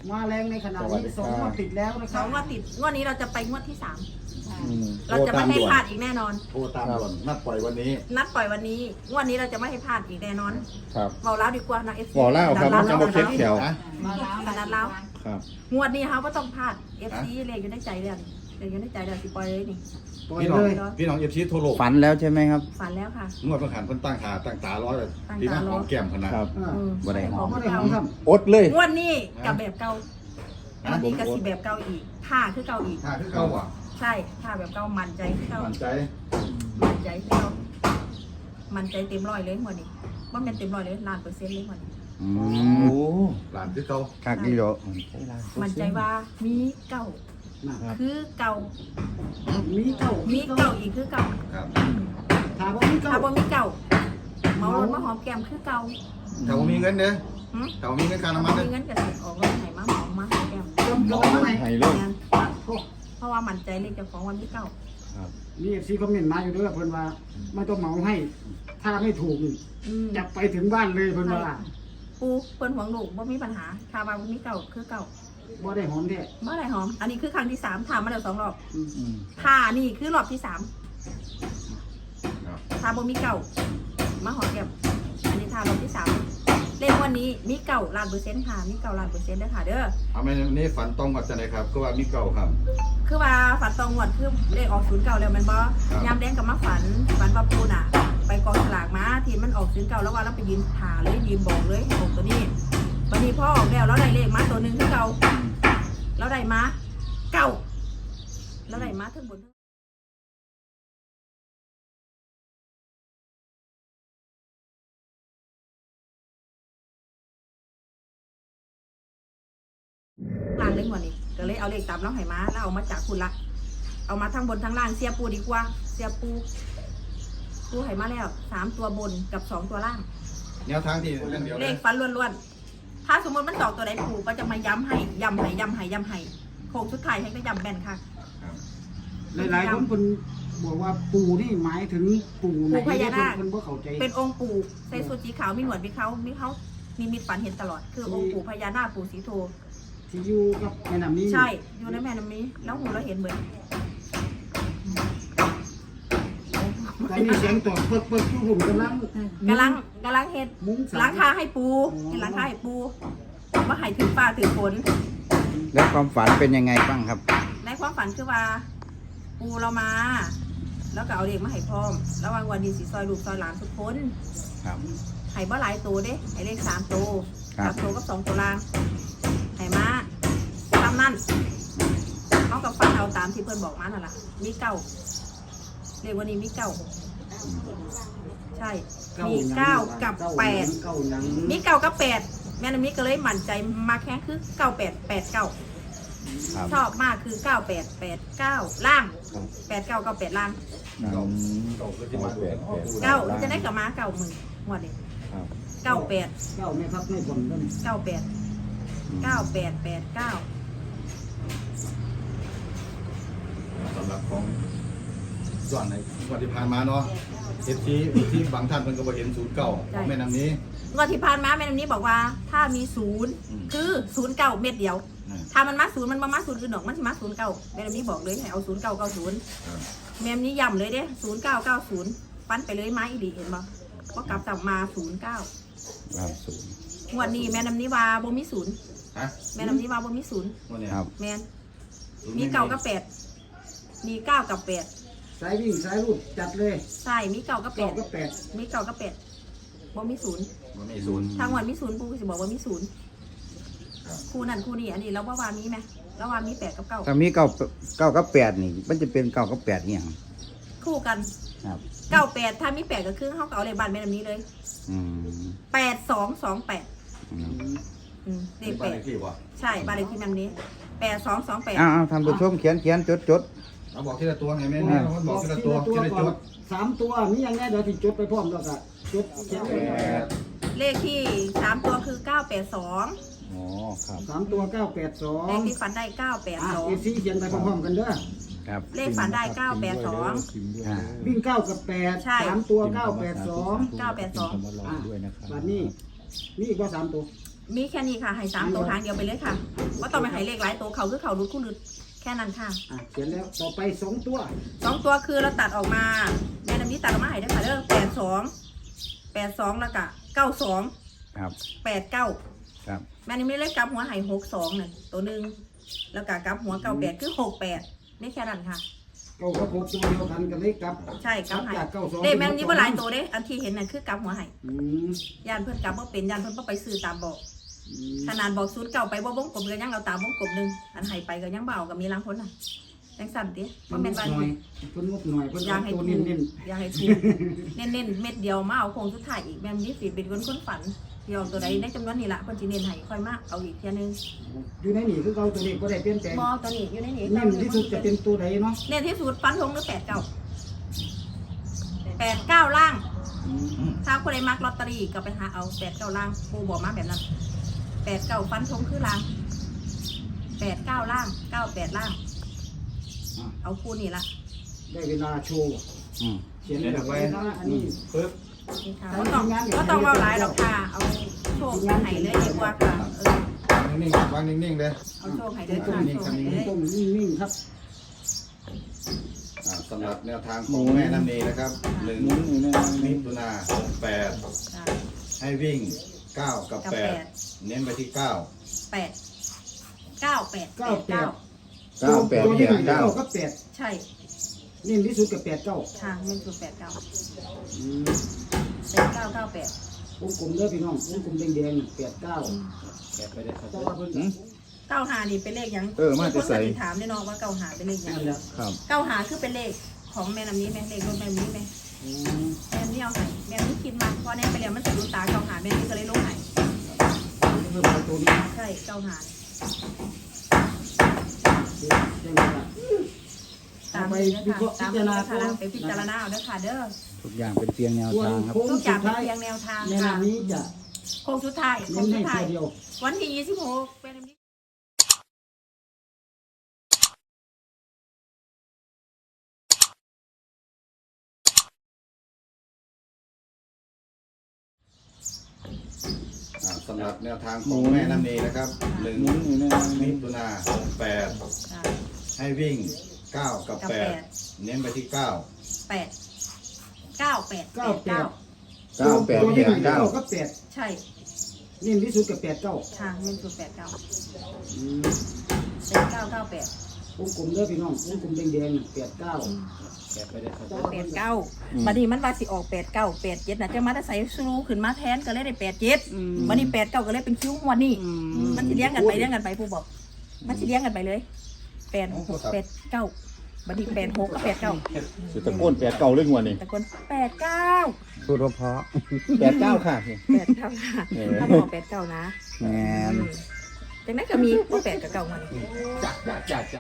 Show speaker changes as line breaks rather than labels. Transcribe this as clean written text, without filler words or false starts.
มาแรงในขณะนี้2 งวดติดแล้วนะค
ส
รั
อบ งงวดติดงวดนี้เราจะไปงวดที่3
อืม
เราจะไม่ให้พลาดอีกแน่นอน
โทรตามด่วนนัดปล่อยวันนี้
นัดปล่อยวันนี้งวดนี้เราจะไม่ให้พลาดอีกแน่นอน
ครับ
เบาแล้วดีกว่านะเอฟซี
บอกเล่าครับมันจะบอกเช็คแถว
นะ
ขนาดเรา
ครับ
งวดนี้เขาก็ต้องพลาดเอฟซีเลยอยู่ในใจเรื่องเดี๋ยวอยู่ในใจเดี๋ยวสิปล่อยเลยนี่
ปล่อย
พี่น้อง
เลย
พี่น้องเอฟซีโทรโลก
ฝันแล้วใช่ไหมครับ
ฝันแล้วค่ะ
งวดประหารเพิ่นตั้งตาร้อยเลย
ตั้ง
พี่
ตา
น้อง
รอ
หอมแก้มขนาด
ครับ บ่ได้หอม
บ่ได้หอมครับ
อดเลย
งวดนี้กับแบบเก่าวันนี้ก็สิแบบเก่าอีกท่าคือเก่าอีก
ถ้าคือเก่าอ่ะ
ใช่ท่าแบบเก่ามั่นใจคือเก่า
มั่นใจ
มั่นใจคือเก่ามั่นใจเต็มร้อยเลยงวดนี้ว่ามันเต็มร้อยเลยล้านเปอร์เซ็นต์เลยงวดนี้
อืมโอ้
หลานคือเก่า
คักดีเหรอ
มั่นใจว่ามีเก่า
นะครับ
คือเก่า
มีเก้า
มีเก่าอีกคือเก่า
ครับ
ถามว่ามีเก้า
ถ้าบ่มีเก่าเมารถมาหอมแก้มคือเก่า
ถ้าผมมีเงินเด้อ
หึ
ถ้าผมมีเงินค่า
ถ้า
น้ำ
บ่
มันเด้
มี
อ
เงินก็สิออกรถไหนมาหอมมาหอมแก้ม
เริ่มร้อนไหม
ให้เลย
งั้นเพราะว่ามั่นใจเลยเจ้าของว่ามีเก่า
ครับ
มีเอฟซีคอมเมนต์มาอยู่ด้วยเพิ่นว่าไม่ต้องเหมาให้ ถ้าไม่ถูกนี่
อืม
จะไปถึงบ้านเลยเพิ่นว่า
ปูเพิ่นหวงลูกบ่มีปัญหาถ้าว่าบ่มีเก่าคือเก่า
บ่ได้หอมแท้
เมื่อไหร่หอม อันนี้คือครั้งที่3ถามมาแล้ว2 รอบ
อืม
อืม
ถ้านี่คือรอบที่3
ครับ
ถ้าบ่มีเก่ามาหอมแก้มอันนี้ถ้ารอบที่3เลขวันนี้มีเก่าล้านเปอร์เซ็นต์ค่ะมีเก่าล้านเปอร์เซ็นต์เด้อค่ะเด้อ
เอาไหมนี่ฝันตรงกับจังไดครับก็ว่ามีเก่าครับ
คือว่าฝันตองงวดคือเลขออก09แล้วแมันบ่
ครับ
ยามแดงกับมาฝันว่าปูน่ะ ไปกองสลากมาที่มันออก09แล้วว่าเราไปยืนหาเลยยืนบอกเลยให้ออกตัวนี้วันนี้พ่อออกแล้วเราได้เลขมาตัวหนึงคือเก่าเราได้มาเก่าเราได้มาทั้งบนทั้งล่างเลยงวดนี้ก็เลยเอาเลขตามเราให้มาแล้วเอามาจากคุณละเอามาทั้งบนทั้งล่างเสียปูดีกว่าเสียปูให้มาแล้ว3 ตัวบนกับ2 ตัวล่าง
แนวทางที่เรื่องเดียว
เล
เลย
ขฟันล้วนๆ ถ้าสมมติมันตอกตัวใดปู่ก็จะมาย้ำให้โค้งสุดท้ายให้ก็ย้ำแบนค่ะ
ครับ
หลายๆคนเพิ่นบอกว่าปู่นี่หมายถึงปู่ไหน
ปู่พญานาค
เพิ่นบ่เข้าใจ
เป็นองค์ปู่ใส่สูทสีขาวมีหนวดมีเขามีมิตฝันเห็นตลอด คือองค์ปู่พญานาคปู่สีโท
ที่อยู่กับแม่น้ำนี้
ใช่ อยู่ในแม่น้ำนี้ แล้วหูเราเห็นเหมือน
ตอนนี้เสียงตอบเปิดอยู่ผมกำลัง
กำลังเห็ด
มุ้งสา
ล้างคาให้ปูเห็นล้างคาให้ปูว่าให้ถือฟ้าถือฝน
แล้วความฝันเป็นยังไงบ้างครับ
ในความฝันคือว่า ปูเรามา แล้วก็เอาเด็กมาให้พร้อม แล้ววันดีสีซอยลูกซอยหลานทุกคน
ครับ
ไห่บ่หลายตัวเด้ไห่เลข3 ตัว
ครับ
3 ตัวกับ2 ตัวล่างไห่มาตามนั่นเขากับฟันเอาตามที่เพื่อนบอกมานั่นแหละมีเก้าเรียกวันนี้มีเก้าใช่มี9 กับ 8
เก้าหยัง
มี9 กับ 8แม่น้ำนี้ก็เลยมั่นใจมาแค่คือ9 8 8 9
ครับ
ชอบมากคือ9 8 8 9ล่าง8 9 9 8ล่าง
อืม
เก่าคือที่มาดู
9มันจะได้กลับมา9มือหมดเลย
ครับ
9 8
เก้าแม่ครับไม่ผลก็นี่
9 8 9 8 8 9
สำหรับของส่วนในวันที่ผ่านมาเนาะเอฟซีที่บางท่านเพิ่นก็บ่เห็นศูนย์เก่าของแม่น้ำนี้
งวดที่ผ่านมาแม่น้ำนี้บอกว่าถ้ามีศูนย์
อืม
คือ09 เม็ดเดียว
อืม
ถ้ามันมา0มันมา0อื่นดอกมันสิมา09แม่น้ำนี้บอกเลยให้เอา0990
ครับ
แม่น้ำนี้ย้ำเลยเด้0990ฟันไปเลยไม้อีหลีเห็นบ่ก็กลับกลับมา09
ครับศูนย์
งวดนี้แม่น้ำนี้ว่าบ่มีศูนย์
ฮะ
แม่น้ำนี้ว่าบ่มีศูนย์
วันนี้
ครับ
แม่นมี9 กับ 8มี9 กับ 8
สายวิ่งสายรูดจัดเลย
ใช่มี9 กับ
เก้าก็
8
8
มี9 กับ 8บ่มีศูนย์
วันนี้ศูนย์
ทางวันมีศูนย์ปูก็สิบอกว่ามีศูนย์
ครับ
คู่นั่นคู่นี้อันนี้เราว่ามีไหมเราว่ามี8 กับ 9
ถ้ามีเก้ากับแปดนี่ มันจะเป็นเก้ากับแปดเนี่ยง
คู่กัน
ครับ
98ถ้ามี8ก็คือเขาก็เอาเลขบ้านแม่น้ำนี้เลย
อืม
8228
อืม
เล
นี่
ข
บ้านเลขที่บ่
8ใช่บ้านเลขที่แม่น้ำนี้8228
อ้าวท่านผู้ชมเขียนจด
เราบอกทีละตัวไงแม่นี่เราบอกทีละตัวทีละจุด
3 ตัวมีอย่างแน่เดี๋ยวที่จดไปพร้อมแล้วก็จดเขียนไว้
เลขที่3 ตัวคือ982
อ๋อครับ
3 ตัว
เลขที่
982
ฝันได้
เอฟซีเขียนไปพร้อมๆกันเด้อ
ครับ
982เลขฝันได้
อ่า
วิ่ง9กับ8
ใช่
3 ตัว 982
982
บัดนี้มีอีกว่า3 ตัว
982 มีแค่นี้ค่ะให้3ตัวทางเดียวไปเลยค่ะว่าต้องไปให้เลขหลายตัวเขาคือเขารุดคู่รุดแค่นั้นค่ะ
เขียนแล้วต่อไป2 ตัว
2 ตัวคือเราตัดออกมาแม่น้ำนี้ตัดออกมาให้ได้ค่ะเด้อ82แล้วก็92
ครับ
89
ครับ
แม่น้ำนี้เลขกลับหัวให้62นั่นตัวหนึงแล้วก็กลับหัว98คือ68นี่แค่นั้นค่ะ
เก้ากับ6ตัวเดียวกันกันเลยกับ
ใช่กลับให้
จาก92
เด้แม่นนี่บ่หลายตัวเด้อันที่เห็นน่ะคือกลับหัวให้
อืม
ย่านเพิ่นกลับบ่เป็นย่านเพิ่นบ่ไปซื้อตามบอก
อืม
ขนาดบอกศูนย์เก่าไปบ่วงกลมก็ยังเอาตามวงกลมหนึงอันให้ไปก็ยังบ่เอาก็มีลางคนน่ะจังสั่นติบ่แม่นว่า
หน่อยเพิ่นงบหน่อยเพิ่น
อยากให้
ตัว
ถูก
เน้น
อยากให้ถูกเน้นๆเม็ดเดียวมาเอาโคงสุดท้ายอีกแม่นนี่สิเป็นคนฝันเดียวตัวใดในจำนวนนี้ล่ะเพิ่นสิเน้นให้ค่อยมาเอาอีกเที่ยนึง
ๆอยู่ในนี่คือเราตัวนี้บ่ได้เปลี่ยนแปลง
บ่ตัวนี้อยู่ในนี้
เน้นที่สุดจะเป็นตัวใดเนาะ
เน้นที่สุดฟันธงหรือ89ล่าง ถ้าคนใดมักลอตเตอรี่ก็ไปหาเอา89ล่างปูบอกมาแบบนั้น89ฟันธงคือล่าง89ล่าง98ล่าง เอาคู่นี่ละ
ได้เวลาโชว์
อืม
เขียนแบบไว้นะอันนี้
ปึ๊บ
นี่ค่ะก็ต้องว่าหลายดอกค่ะเอาโชคให้เลยดีกว่าค่ะ
นิ่งๆวางนิ่งๆเลย
เอาโชคให้เลยค่ะโชคให้เลย
ต้มนิ่งๆครับ
สำหรับแนวทางของแม่น้ำนีนะครับ1
หมุนอยู่ใน
มิ
นี้
ถุนา68
จ้ะ
ให้วิ่ง 9 กับ 8 เน้นไปที่ 9
8 98 89
9 8
ตัวที่หนึ่ง
8 9
กับ
ใช่
8เน้นที่สุดกับ89
ค่ะมันคือ89
อืม
8998
วงกลมเด้อพี่น้องวงกลมแดงๆ89แต่ว่าเพิ่น
หืม
95นี่เป็นเลขหยัง
มาจะใส่
คนก็สิถามแน่นอนว่า95เป็นเลขหยัง
นั่นแหละ
ครับ
95คือเป็นเลขของแม่น้ำนี้แม่เลขรถแม่น้ำนี้แม่
อืม
แม่นี่เอาให้แม่นี่คิดมาพอแน่ไปแล้วมันจะรู้ตา95แม่นี่ก็เลยลงให้
เพิ่มเอาตัวนี้
ใช่95
แจ้งว่า
ตามนี้นะคะตามนี้นะคะไปพิจารณาเอาเด้อค่ะเด้อ
ทุกอย่างเป็นเพียงแนว
ส่วน
ทางครับ
โค้ง
ทุกอ
สุ
ย่าง
ด
เป็น
ท้าย
เพียงแนวทาง
ใน
ค่ะ
นามนี้จะ
โค้งสุดท้ายโค้
เน้
ง
น
สุ
ให้
ดท้าย
ตัวเดียว
วันที่26เป็นนี้
สำหรับแนวทางของแม่น้ำนีนะครับ
หมุนอยู่ใน
1 มิ
นี้
ถุนา68 ให้วิ่ง 9 กับ 8 เน้นไปที่ 9
8 98 89
9 8
ตัวที่หนึ่ง
8 9
กับ8
ใช่
เน้นที่สุดกับ89
ค่ะมันคือ89
อืม
8998
วงกลมเด้อพี่น้องวงกลมแดงๆ89
89บัดนี้มันว่าสิออก89 87น่ะจะมาได้ใส่ซูขึ้นมาแทนก็เลยได้87บัดนี้89ก็เลยเป็นคิ้วหัวนี่มันสิเลี้ยงกันไปผู้บอกมันสิเลี้ยงกันไปเลย86 89บัดนี้86กับ89
สุดตะโกน8 9เรื่องหัวนี่
ตะโกน89
พูดเพราะ8 9ค่ะ
89ค่ะถ้าบอก89นะ
แม่น
จังนั้นก็มี8กับ9มานี่
จ้ะ